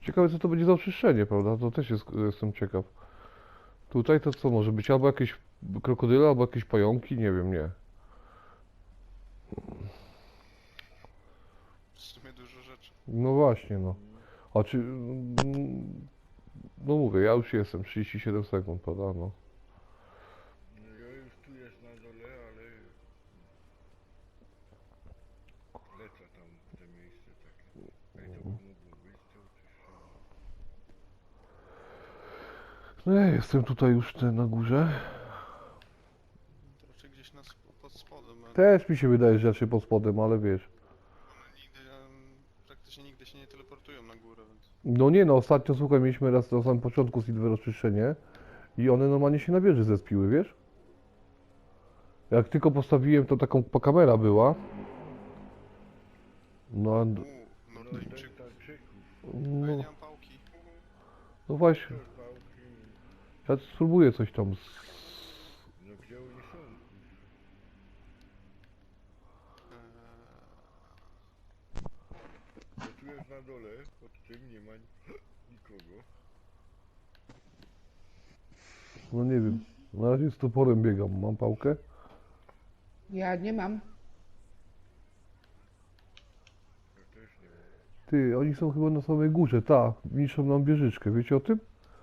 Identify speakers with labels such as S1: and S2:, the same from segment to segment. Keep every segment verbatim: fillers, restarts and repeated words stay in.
S1: Ciekawe co to będzie za oczyszczenie, prawda? To też jest, jestem ciekaw. Tutaj to co może być? Albo jakieś krokodyle, albo jakieś pająki, nie wiem, nie.
S2: W sumie dużo rzeczy.
S1: No właśnie, no. A czy... mm, No mówię, ja już jestem, trzydzieści siedem sekund, prawda, no.
S3: No ja już tu jest na dole, ale lecę tam w te miejsce takie. Ej, to by mogło być to oczyszczone.
S1: No ja jestem tutaj już te, na górze.
S2: To raczej gdzieś na sp pod spodem. ale
S1: Też mi się wydaje, że raczej pod spodem, ale wiesz.
S2: One nigdy, em, praktycznie nigdy się nie teleportują na górę, więc...
S1: No nie no, ostatnio słuchaj, mieliśmy raz na samym początku Silver oczyszczenie i one normalnie się na wieży zespiły, wiesz? Jak tylko postawiłem, to taką kamera była. No, a-
S2: Uuu,
S3: No
S2: Nordyjczyków.
S3: Nordyjczyków.
S2: A ja
S1: no,
S2: nie mam pałki.
S1: no właśnie,
S3: To pałki.
S1: ja spróbuję coś tam. z-
S3: No gdzie oni są?
S2: Eee,
S3: No tu jest na dole, pod tym nie ma nikogo.
S1: No nie wiem, na razie z toporem biegam, mam pałkę.
S4: Ja nie mam.
S3: Ja też nie mam.
S1: Ty, oni są chyba na samej górze, ta, niszczą nam wieżyczkę, wiecie o tym?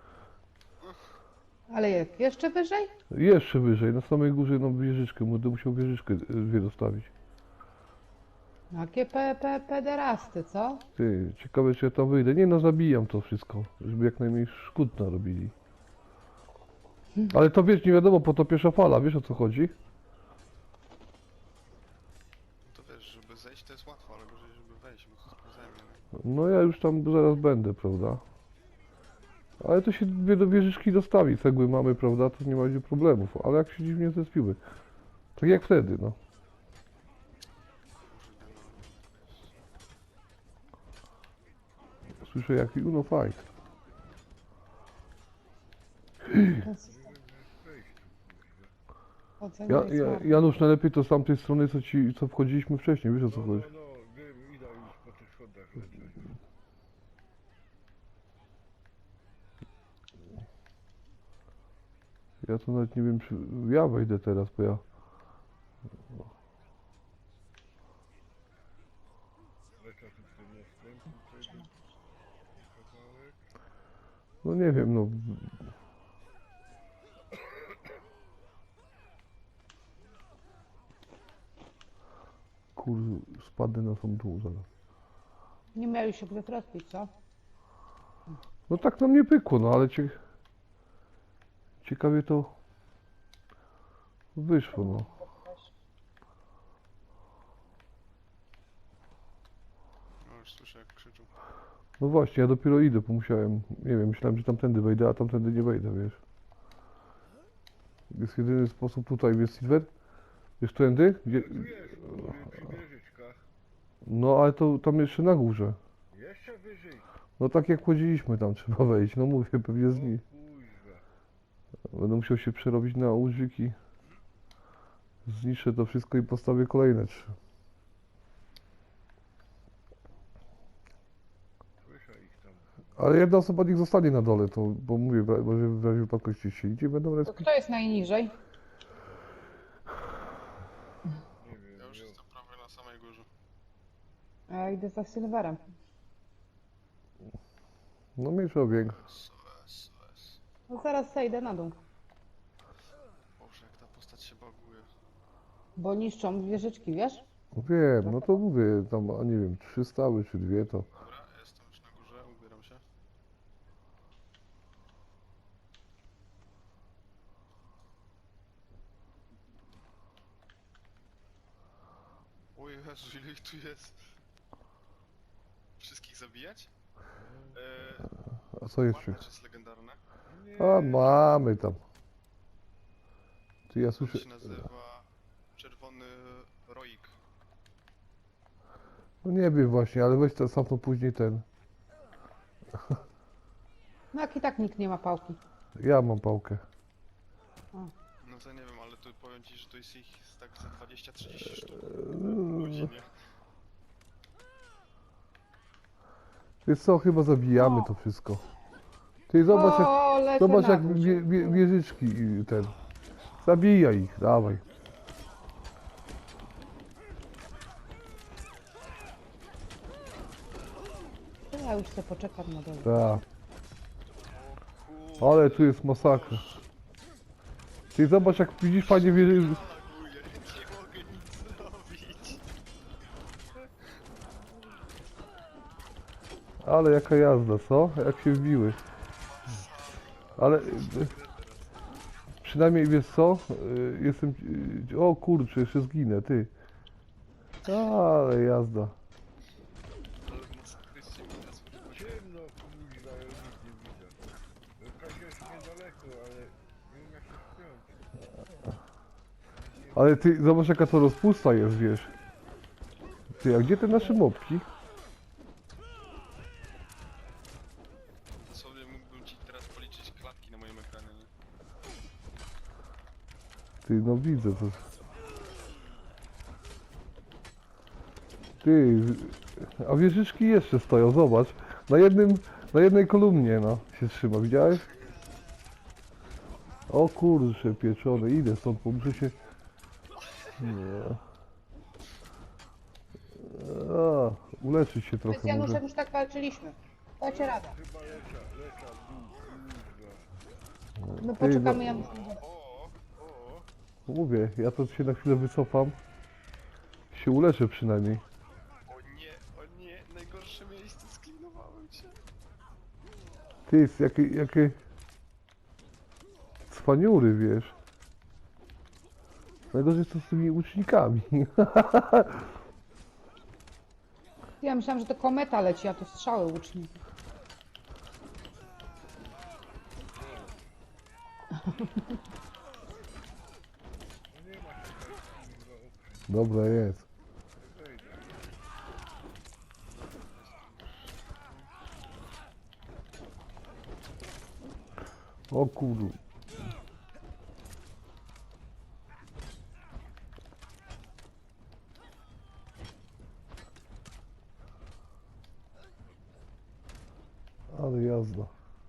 S4: Ale jak? Jeszcze wyżej?
S1: Jeszcze wyżej, na samej górze nam wieżyczkę, będę musiał wieżyczkę y, dwie dostawić.
S4: Jakie pe, pe, pederasty, co?
S1: Ty, ciekawe czy ja tam wyjdę. Nie no, zabijam to wszystko, żeby jak najmniej szkód narobili. Ale to wiesz, nie wiadomo, po to pierwsza fala, wiesz o co chodzi?
S2: to wiesz, żeby zejść to jest łatwo, ale gorzej, żeby wejść, bo to zajmie. nie?
S1: No ja już tam zaraz będę, prawda? Ale to się dwie do wieżyczki dostawi, cegły mamy, prawda, to nie ma będzie problemów, ale jak się dziwnie zespiły. Tak jak wtedy, no.
S2: Kurde, no.
S1: Słyszę jaki Uno fight.
S4: To jest-
S3: Wejść tu, kurwa.
S4: Ocena
S1: Ja,
S4: jest
S1: ja,
S4: marna.
S1: Janusz, najlepiej to z tamtej strony, co ci, co wchodziliśmy wcześniej, wiesz o co
S3: No, no,
S1: chodzi?
S3: no, wiem, idę już po tych schodach lecę.
S1: Ja to nawet nie wiem, czy ja wejdę teraz, bo ja...
S3: Lecę tu ten następny tego kawałek.
S1: No nie wiem, no... Kur... spadnę na sam dół zaraz.
S4: Nie mieli się gdzie trafić, co?
S1: No tak nam nie pykło, no ale cie... ciekawie to wyszło, no.
S2: No już słyszę jak krzyczą.
S1: No właśnie, ja dopiero idę, bo musiałem, nie wiem, myślałem, że tamtędy wejdę, a tamtędy nie wejdę, wiesz. Jest jedyny sposób tutaj, jest Silver? Wiesz, tędy? Gdzie...
S3: Tu jest, przy, przy wieżyczkach.
S1: No ale to tam jeszcze na górze.
S3: Jeszcze wyżej.
S1: No tak jak chodziliśmy tam, trzeba wejść, no mówię, pewnie z
S3: O
S1: niej.
S3: kuźwa.
S1: Będę musiał się przerobić na łużyki. Zniszczę to wszystko i postawię kolejne trzy.
S3: Słyszę ich tam.
S1: Ale jedna osoba niech zostanie na dole, to, bo mówię, w ra- może w razie wypadkości się idzie, będą
S4: To
S1: respić.
S4: kto jest najniżej?
S3: Nie wiem,
S2: Ja już
S3: ja,
S2: jestem prawie na samej górze.
S4: A ja idę za Silverem.
S1: No mniejsza o większa.
S2: S O S, S O S.
S4: No zaraz zejdę na dół.
S2: Boże, jak ta postać się baguje.
S4: Bo niszczą wieżyczki, wiesz?
S1: No wiem, no to mówię, tam, a nie wiem, trzy stały czy dwie to.
S2: Dobra, jestem już na górze, ubieram się. O Jezu, ile ich tu jest? Wszystkich zabijać? Eee,
S1: A co jeszcze?
S2: Marnacz jest legendarne.
S1: A mamy tam. Ty ja
S2: To
S1: słyszę.
S2: się nazywa Czerwony Roik.
S1: No nie wiem właśnie, ale weź to sam to później ten.
S4: No jak i tak nikt nie ma pałki.
S1: Ja mam pałkę.
S2: No to nie wiem, ale tu powiem ci, że to jest ich tak za dwadzieścia trzydzieści sztuk w godzinie.
S1: Wiesz co, chyba zabijamy to wszystko. Ty zobacz jak,
S4: O, lecę
S1: zobacz
S4: na
S1: jak
S4: dół.
S1: wie, wie, wieżyczki y, ten. Zabijaj ich, dawaj.
S4: To ja już sobie poczekam na dole.
S1: Tak.
S2: O
S1: Ale tu jest masakra. Ty zobacz jak widzisz panie wieży...
S2: kurde, nie mogę nic zrobić.
S1: Ale jaka jazda, co? Jak się wbiły. Ale... y, Przynajmniej wiesz co? Y, Jestem... y, O kurczę, jeszcze zginę, ty. Ale jazda.
S2: Ale masakrycznie mi nas wychodzi.
S3: Ciemno, kurwa, ja nic nie widzę. Kasia jest niedaleko, ale nie wiem jak się spiąć.
S1: Ale ty zobacz jaka to rozpusta jest, wiesz. Ty, a gdzie te nasze mopki?
S2: Sobie mógłbym ci teraz policzyć klatki na moim ekranie, nie?
S1: Ty, no widzę to. Ty, a wieżyczki jeszcze stoją, zobacz. Na jednym, na jednej kolumnie, no, się trzyma, widziałeś? O kurczę, pieczone, idę stąd, bo muszę się... Nie. A, uleczyć się
S4: My z
S1: trochę może.
S4: Januszem już tak walczyliśmy. Dacie radę.
S3: Chyba lecza, lecza w dół, kurwa.
S4: My poczekamy Janusz.
S2: O, o,
S1: Mówię, ja to się na chwilę wycofam. Się uleczę przynajmniej.
S2: o nie, o nie, najgorsze miejsce, sklinowałem się.
S1: Ty, jest jakie, jakie... Cwaniury, wiesz. Najgorzej to z tymi łucznikami.
S4: Ja myślałam, że to kometa leci, a to strzały łuczników.
S1: Dobra jest. O kurwa. Ale jazda.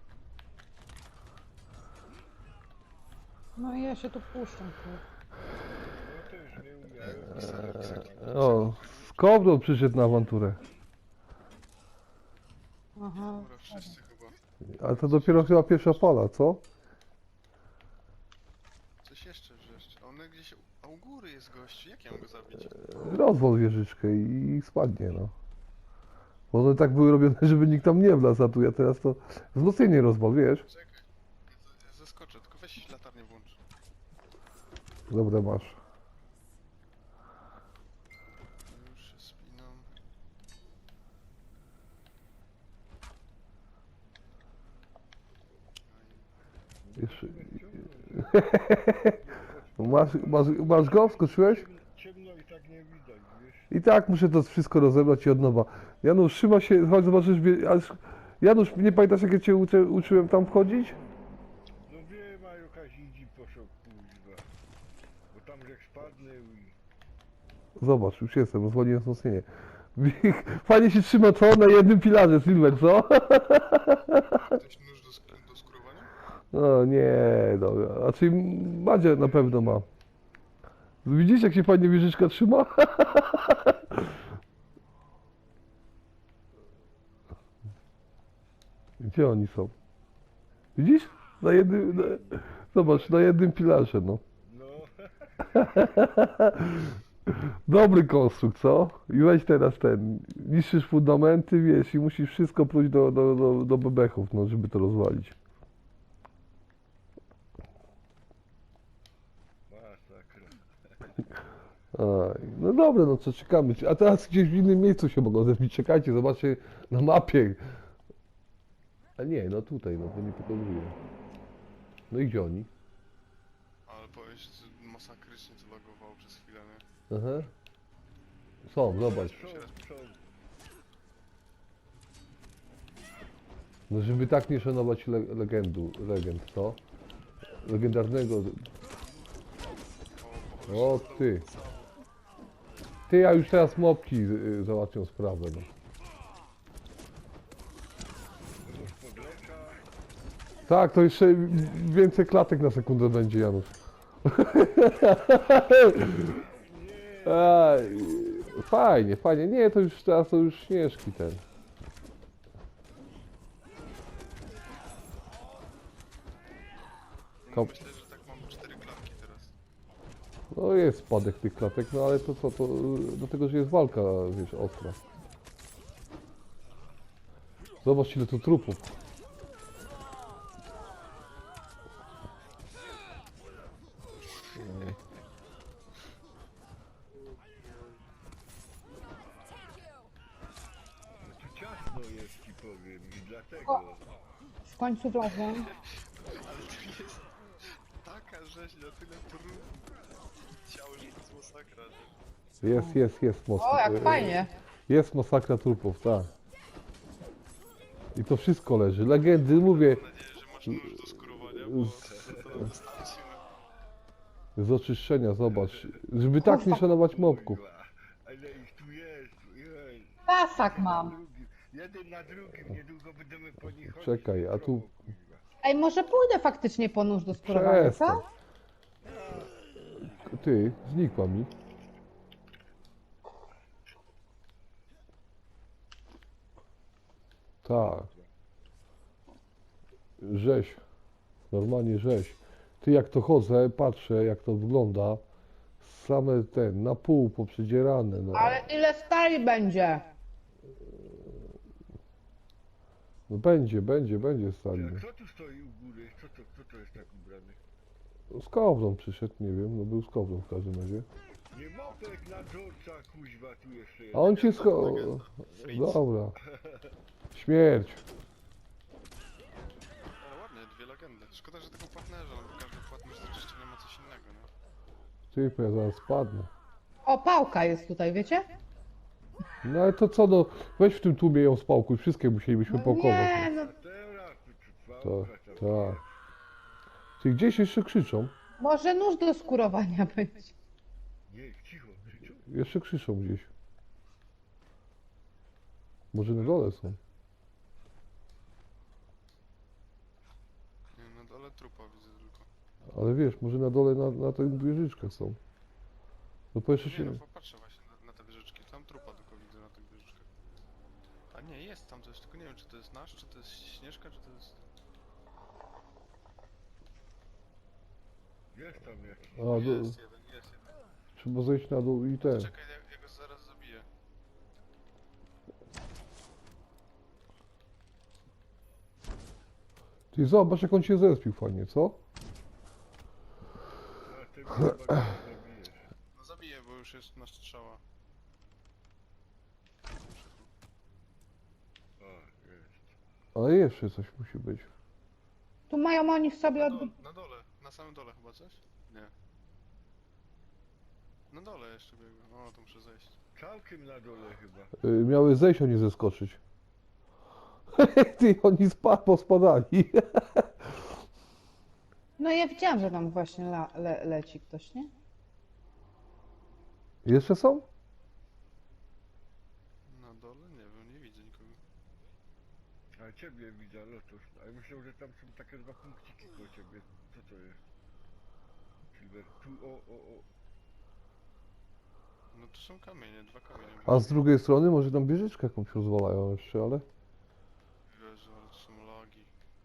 S4: No i ja się tu puszczam. kurde.
S3: No to już nie umiałem.
S1: O, Skowron przyszedł na awanturę.
S4: Aha.
S2: Dobra, wszyscy chyba.
S1: Ale to dopiero chyba pierwsza fala, co?
S2: Coś jeszcze wrzeszczy. A on gdzieś... A u góry jest gościu, jak ja mam go zabić?
S1: Rozwal wieżyczkę i, i spadnie, no. Bo one tak były robione, żeby nikt tam nie wlazł, a tu ja teraz to wzmocnienie rozwal, wiesz?
S2: Czekaj, ja, z- ja zeskoczę, tylko weź latarnię włącz.
S1: Dobra, masz.
S2: Już się spinam.
S1: Jeszcze... masz, masz, masz go? Wskoczyłeś?
S3: Ciemno i tak nie widać, wiesz?
S1: I tak muszę to wszystko rozebrać i od nowa. Janusz, trzyma się, chodź zobaczysz, wie- aż- Janusz, nie pamiętasz jak ja cię uczy, uczyłem tam wchodzić?
S3: No wiem, a jakaś idzi poszło, kurwa. Bo tam jak spadnę i...
S1: Zobacz, już jestem, rozwaliłem wzmocnienie. Fajnie się trzyma to na jednym filarze, Silver, co?
S2: Ktoś nóż do, sk- do skórowania?
S1: No nie, no, a czyli Madzia na pewno ma. Widzisz jak się fajnie wieżyczka trzyma? Gdzie oni są? Widzisz? Na jednym, na, zobacz, na jednym filarze, no.
S3: No,
S1: Dobry konstrukt, co? I weź teraz ten, niszczysz fundamenty, wiesz, i musisz wszystko pluć do, do, do, do bebechów, no, żeby to rozwalić.
S3: masakra.
S1: Aj, no dobra, no co, czekamy. A teraz gdzieś w innym miejscu się mogą zebić. Czekajcie, zobaczcie na mapie. A nie, no tutaj, no to nie pokazuje. No i gdzie oni?
S2: Ale powiem ci, że masakrycznie to lagowało przez chwilę, nie?
S1: Aha. Są, zobacz.
S3: Są, są.
S1: No żeby tak nie szanować le legendu, legend, co? Legendarnego...
S2: O,
S1: O ty. Ty, a już teraz mopki y, załatwią sprawę, no. Tak, to jeszcze więcej klatek na sekundę będzie, Janusz. Aj, fajnie, fajnie. Nie, to już teraz to już śnieżki ten.
S2: No,
S1: Kom-
S2: myślę, że tak mam cztery klatki teraz.
S1: No jest spadek tych klatek, no ale to co, to y, dlatego, że jest walka, wiesz, ostra. Zobacz ile tu trupów.
S3: No tu ciasno jest ci powiem i dlatego.
S4: W końcu wlazłem.
S2: Ale tu jest taka rzeź na tyle trudna. Ciało, że to jest masakra, nie?
S1: Jest, jest, jest most.
S4: O, jak fajnie.
S1: Jest masakra trupów, tak. I to wszystko leży. Legendy, mówię,
S2: Mam nadzieję, że masz nóż do skurowania, bo to wystarczy. no.
S1: z oczyszczenia, zobacz. Żeby tak nie szanować mobków.
S3: Kurwa, ale ich tu jest, jej.
S4: Tasak mam.
S3: Drugi, jeden na drugim, niedługo będziemy po nich chodzić.
S1: Czekaj, a tu-
S3: Kurwa.
S4: Ej, może pójdę faktycznie po nóż do skórowania,
S1: Przestań.
S4: co?
S1: Ty, znikła mi. Tak. Rzeź. Normalnie rzeź. Ty jak to chodzę, patrzę jak to wygląda. Same ten, na pół poprzedzierane, no.
S4: Ale ile stali będzie?
S1: No będzie, będzie, będzie stali.
S3: A kto tu stoi u góry? Kto to, kto to jest tak ubrany?
S1: Z kowrą przyszedł, nie wiem, no był z kowrą w każdym razie.
S3: Nie mopek na dżorca, kuźwa, tu jeszcze jest.
S1: A on cię sko... Dobra. Śmierć.
S2: Ale ładnie, dwie legendy. Szkoda, że tego płatnerza, no bo każdy płatnerz do czyszczenia ma coś innego, nie?
S1: Ty, bo ja zaraz spadnę.
S4: O, pałka jest tutaj, wiecie?
S1: No ale to co, no, weź w tym tłumie ją spałkuj, wszystkie musielibyśmy
S4: No
S1: pałkować.
S4: nie, no
S3: A teraz tu trwa
S1: Tak,
S3: obrata,
S1: tak. Ty gdzieś jeszcze krzyczą?
S4: może nóż do skurowania być.
S3: Nie, cicho, krzyczą.
S1: Jeszcze krzyczą gdzieś. Może na dole są.
S2: Nie, na dole trupa widzę tylko.
S1: Ale wiesz, może na dole na, na tych wieżyczkach są. No po jeszcze
S2: Nie,
S1: się...
S2: no popatrzę właśnie na, na te wieżyczki. Tam trupa tylko widzę na tych wieżyczkach. A nie, jest tam coś, tylko nie wiem czy to jest nasz, czy to jest Śnieżka, czy to jest...
S3: Jest tam jakiś.
S1: A, do...
S2: Jest jeden, jest jeden.
S1: Trzeba zejść na dół i ten.
S2: Czekaj, ja, ja go zaraz zabiję.
S1: Ty zobacz jak on cię zespił fajnie, co?
S3: A ty chyba go zabijesz.
S2: No zabiję, bo już jest na strzała.
S3: A, jest.
S1: Ale jeszcze coś musi być.
S4: Tu mają oni w sobie
S2: Na,
S4: od...
S2: dole, na dole, na samym dole chyba coś? Nie. Na dole jeszcze biegłem. O, to muszę zejść.
S3: Całkiem na dole chyba.
S1: Y, miały zejść, a nie zeskoczyć. Ty, oni spa pospadali.
S4: No ja widziałam, że tam właśnie la, le, leci ktoś, nie?
S1: Jeszcze są?
S2: Na dole? Nie wiem, nie widzę nikogo.
S3: A ciebie widzę, Lotus. A ja myślę, że tam są takie dwa punkciki koło ciebie. Co to jest? Silver. Tu, o, o, o.
S2: No tu są kamienie, dwa kamienie.
S1: A z drugiej strony może tam wieżyczkę jakąś rozwalają jeszcze, ale...
S2: Jezu, ale to są lagi.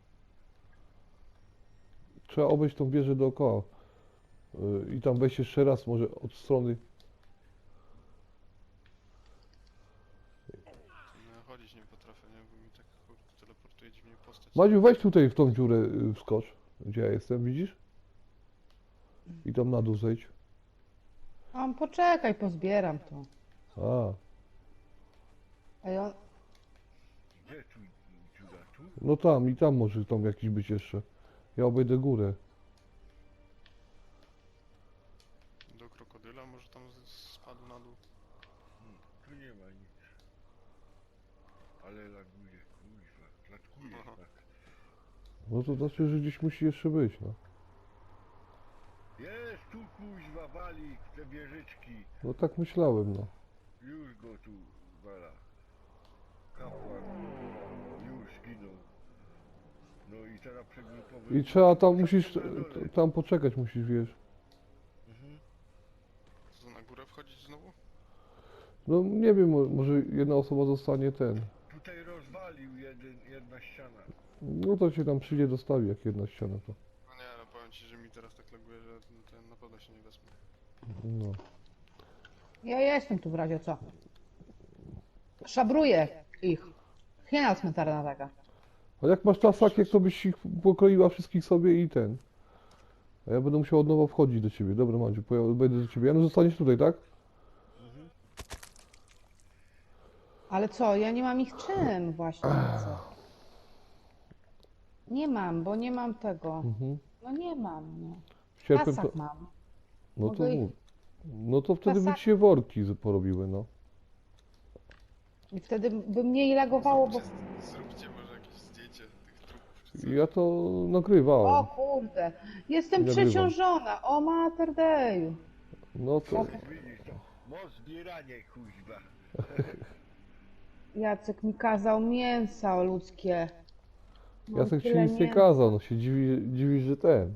S1: Trzeba obejść tą wieżę dookoła. Y, I tam wejść jeszcze raz, może od strony...
S2: No, chodzić nie potrafię, nie? Bo mi tak kurde teleportuje dziwnie postać.
S1: Madziu, weź tutaj w tą dziurę y, wskocz. Gdzie ja jestem, widzisz? I tam na dół zejdź.
S4: A poczekaj, pozbieram to.
S1: A,
S4: Ej, on...
S3: Gdzie tu dziura? Tu?
S1: no tam i tam może tam jakiś być jeszcze. Ja obejdę górę.
S2: Do krokodyla może tam z- spadł na dół.
S3: Hmm, tu nie ma nic. Ale laguje, kuźwa. Klatkuje
S2: Aha.
S3: tak.
S1: No to znaczy, że gdzieś musi jeszcze być, no.
S3: Jest tu kuźwa, wali w te wieżyczki.
S1: No tak myślałem, no.
S3: Już go tu wala. Kapłan już zginął. No i teraz przegrupowy...
S1: I trzeba tam, musisz,
S3: Na dole.
S1: tam poczekać musisz, wiesz.
S3: Mhm.
S2: Co, na górę wchodzić znowu?
S1: No nie wiem, mo- może jedna osoba zostanie ten.
S3: Tutaj rozwalił jeden, jedna ściana.
S1: No to się tam przyjdzie, dostawi jak jedna ściana to.
S2: No nie, no powiem ci, że mi teraz tak laguje, że ten, ten na pewno się nie wezmę.
S1: No.
S4: Ja jestem tu w razie co. Szabruję ich. Hiena cmentarna taka.
S1: A jak masz tasakiek, to byś ich pokroiła wszystkich sobie i ten. A ja będę musiał od nowa wchodzić do ciebie. Dobra, Madziu, poja- będę do ciebie. Janusz, zostaniesz tutaj, tak?
S3: Mhm.
S4: Ale co, ja nie mam ich czym właśnie. Co? Nie mam, bo nie mam tego.
S1: Mhm.
S4: No nie mam, no.
S1: Sierpem
S4: Tasak
S1: to...
S4: mam.
S1: No to
S4: mogę ich-
S1: mów. No to wtedy by
S4: Tasak-
S1: ci się worki z- porobiły, no.
S4: I wtedy by mniej lagowało, bo...
S2: Zróbcie, zróbcie może jakieś zdjęcie tych trupów czy coś.
S1: Ja to nagrywałem.
S4: O kurde, jestem
S1: Nagrywam.
S4: przeciążona. O mater deju.
S1: No to...
S3: Widzisz to? Moc zbieranie, kuźba.
S4: Jacek mi kazał mięsa ludzkie. Mam
S1: Jacek ci
S4: tyle
S1: nic nie
S4: mięsa.
S1: kazał, no się dziwi, dziwisz, że ten.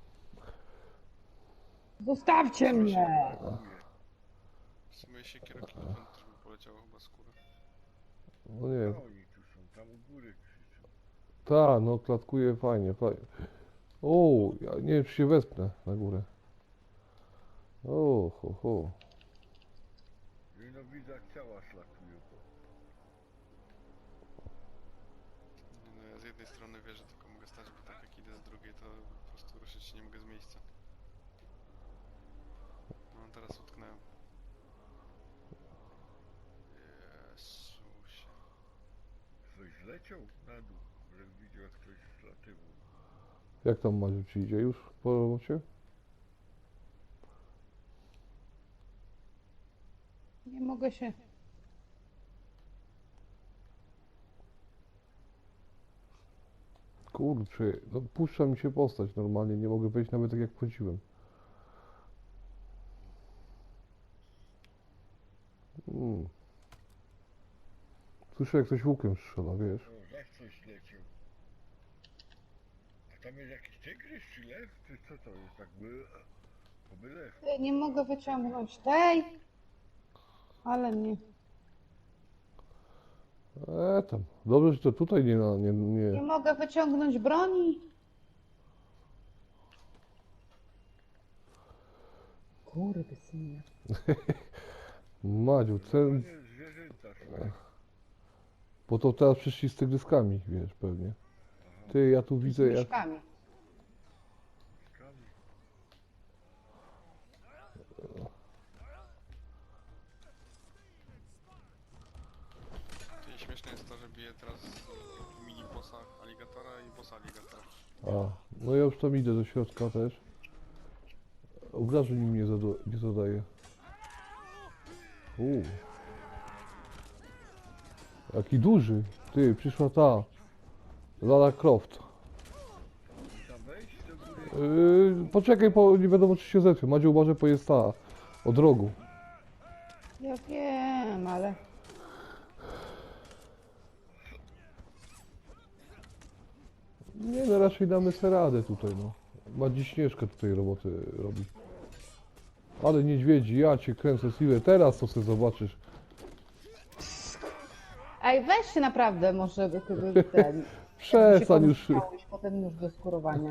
S4: Zostawcie mnie!
S2: W sumie siekierokilowem też by poleciało chyba skóra.
S1: No nie wiem.
S3: No oni tu są, tam u góry krzyczą.
S1: Ta, no klatkuje fajnie, fajnie. O, ja nie wiem, czy się wespnę na górę. O, ho, ho.
S3: I no widzę jak ciała szlakują.
S2: Nie, no ja z jednej strony wierzę, tylko mogę stać, bo tak jak idę z drugiej, to po prostu ruszyć się nie mogę z miejsca. No teraz utknąłem. Jezusie.
S3: Coś zleciał na dół, że widział jak ktoś zlatywał.
S1: Jak tam Madziu ci idzie już po robocie?
S4: Nie mogę się...
S1: Kurczę, no puszcza mi się postać normalnie, nie mogę wejść nawet tak jak wchodziłem. Mm. Słyszę jak ktoś łukiem strzela, wiesz?
S3: O, jak coś leciał. A tam jest jakiś tygrys czy lew? Czy co to jest? Tak by... Oby lew.
S4: Ja nie mogę wyciągnąć tej. Ale mnie...
S1: E tam, dobrze, że to tutaj nie, na- nie,
S4: Nie
S1: nie.
S4: mogę wyciągnąć broni. Kurde synie.
S1: Madziu, ten,
S3: Nie, zwierzęta szlakują.
S1: bo to teraz przyszli z tygryskami, wiesz, pewnie. Ty, ja tu widzę
S4: Z
S1: jak...
S4: myszkami.
S2: To śmieszne jest to, że bije teraz mini bossa aligatora i bossa aligatora.
S1: A, no ja już tam idę do środka też. Obrażeń mi nie, zada, nie zadaje. Uuu. Jaki duży. Ty, przyszła ta. Lara Croft.
S3: Tam wejść do góry?
S1: Yy, poczekaj, bo nie wiadomo czy się zetrze. Madzie uważaj, bo jest ta. Od rogu.
S4: Ja wiem, ale...
S1: Nie no, raczej damy sobie radę tutaj, no. Madzi Śnieżka tutaj roboty robi. Ale niedźwiedzi, ja cię kręcę siłę. Teraz to sobie zobaczysz.
S4: Ej, weź się naprawdę może by ty ten...
S1: Przestań
S4: się
S1: już.
S4: pomyślałeś, potem już do skurowania.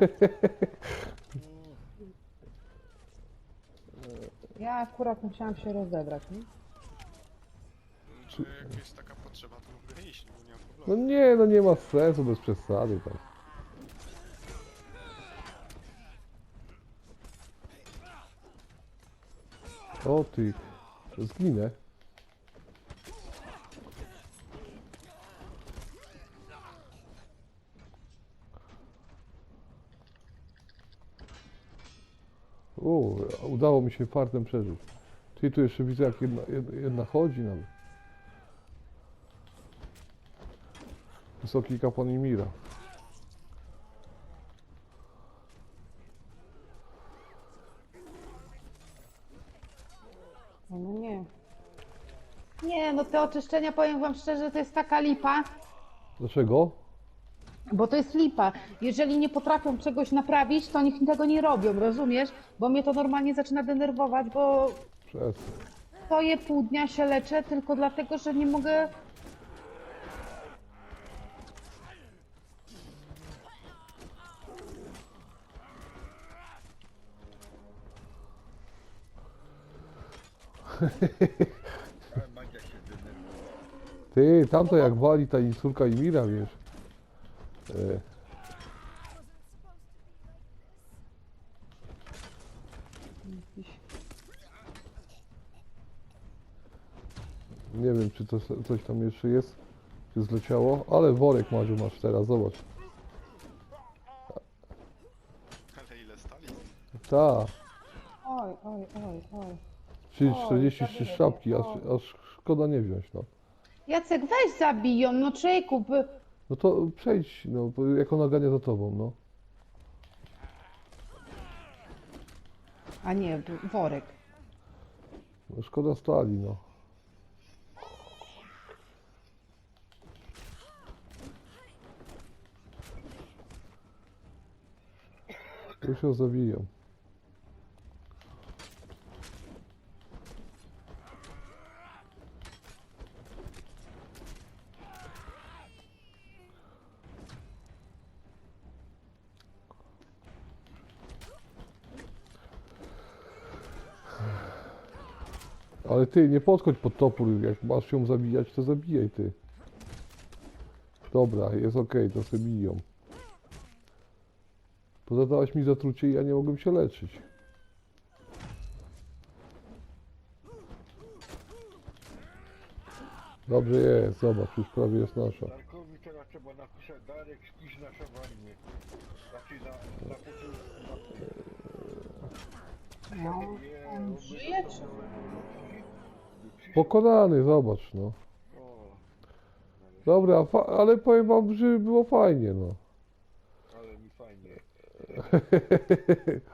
S4: Ja akurat musiałam się rozebrać, nie?
S2: Czy jak jest taka potrzeba, to mogę iść, bo nie mam
S1: No
S2: problemu.
S1: nie, no nie ma sensu bez przesady tak. O ty, zginę. O, udało mi się fartem przeżyć. Ty tu jeszcze widzę jak jedna, jedna, jedna chodzi nawet. Wysoki kapłan Imira.
S4: No nie. Nie, no te oczyszczenia, powiem wam szczerze, to jest taka lipa,
S1: Dlaczego?
S4: Bo to jest lipa. Jeżeli nie potrafią czegoś naprawić, to niech tego nie robią, rozumiesz? Bo mnie to normalnie zaczyna denerwować, bo
S1: Przestań.
S4: stoję pół dnia się leczę tylko dlatego, że nie mogę...
S3: Ale Madzia się denerwuje.
S1: Ty, tamto jak wali ta córka Imira, wiesz. E, nie wiem, czy to coś tam jeszcze jest, czy zleciało, ale worek Madziu masz teraz, zobacz.
S2: Ale ile stali?
S1: Ta,
S4: Oj, oj, oj, oj.
S1: czy
S4: Oj,
S1: czterdzieści trzy
S4: zabiję
S1: sztabki,
S4: cię,
S1: aż,
S4: oj.
S1: aż szkoda nie wziąć, no.
S4: Jacek, weź zabiją, no człowieku, by...
S1: No to przejdź, no, bo jak ona gania za tobą, no.
S4: A nie, b- worek.
S1: No szkoda stali, no. Już ją zabiją. Ale ty, nie podchodź pod topór, jak masz ją zabijać, to zabijaj ty. Dobra, jest okej, to sobie biją. Pozadałaś mi zatrucie i ja nie mogłem się leczyć. Dobrze jest, zobacz, już prawie jest nasza.
S3: Darkowi teraz trzeba napisać Darek spisz na szawarnie. Znaczy na, na początku mapy.
S4: No,
S3: Nie,
S4: on
S3: by
S4: żyje,
S3: dostał
S4: czy...
S3: by przyszedł.
S1: Pokonany, zobacz, no.
S3: O,
S1: Dobra, fa- ale powiem wam, że było fajnie, no.
S3: ale mi fajnie.